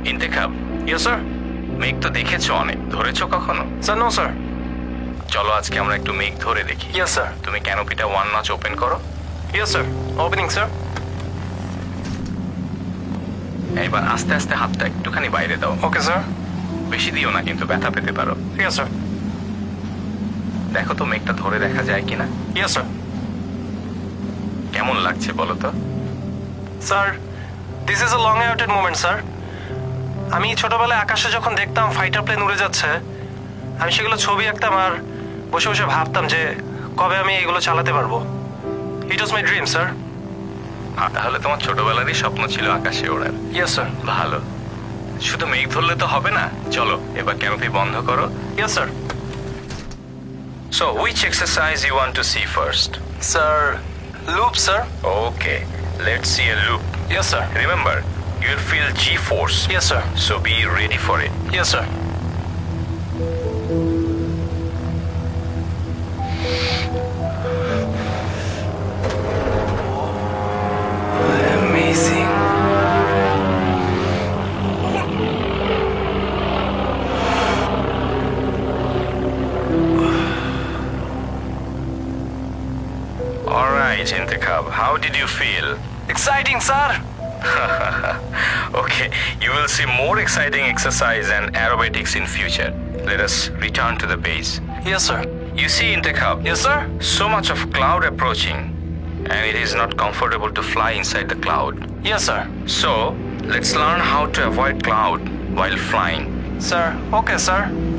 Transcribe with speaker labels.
Speaker 1: ইন্তেখাব,
Speaker 2: yes sir.
Speaker 1: মেঘ তো দেখেছো অনেক, ধরেছো কখনো?
Speaker 2: Sir no sir.
Speaker 1: চলো আজকে আমরা একটু মেঘ ধরে দেখি।
Speaker 2: Yes sir.
Speaker 1: তুমি ক্যানোপিটা 1 নচ ওপেন করো।
Speaker 2: Yes sir, opening sir.
Speaker 1: এবার আস্তে আস্তে হাতটা একটুখানি বাইরে দাও।
Speaker 2: Okay sir.
Speaker 1: বেশি দিও না, কিন্তু ব্যথা পেতে পারো।
Speaker 2: Yes sir.
Speaker 1: দেখো তো মেঘটা ধরে দেখা যায় কিনা।
Speaker 2: Yes sir.
Speaker 1: কেমন লাগছে বলো তো?
Speaker 2: Sir, this is a long awaited moment sir. আমি ছোটবেলায় আকাশে যখন দেখতাম ফাইটার প্লেন উড়ে যাচ্ছে, আমি সেগুলো ছবি আঁকতাম আর বসে বসে ভাবতাম যে কবে আমি এগুলো চালাতে পারবো। It was my dream sir.
Speaker 1: তাহলে তোমার ছোটবেলারই স্বপ্ন ছিল আকাশে ওড়ার।
Speaker 2: Yes sir.
Speaker 1: ভালো। শুধু মেঘ ধরলে তো হবে না, চলো এবার ক্যানোপি বন্ধ করো।
Speaker 2: Yes sir.
Speaker 1: So which exercise you want to see first?
Speaker 2: Sir, loop sir.
Speaker 1: Okay, let's see a loop.
Speaker 2: Yes sir.
Speaker 1: Remember, you'll feel G-force.
Speaker 2: Yes sir.
Speaker 1: So be ready for it.
Speaker 2: Yes sir. Amazing.
Speaker 1: All right, Intikhab, how did you feel?
Speaker 2: Exciting, sir.
Speaker 1: Okay, you will see more exciting exercise and aerobatics in future. Let us return to the base.
Speaker 2: Yes, sir.
Speaker 1: You see, Intikhab,
Speaker 2: Yes, sir.
Speaker 1: so much of cloud approaching, and it is not comfortable to fly inside the cloud.
Speaker 2: Yes, sir.
Speaker 1: So, let's learn how to avoid cloud while flying.
Speaker 2: Sir, okay, sir.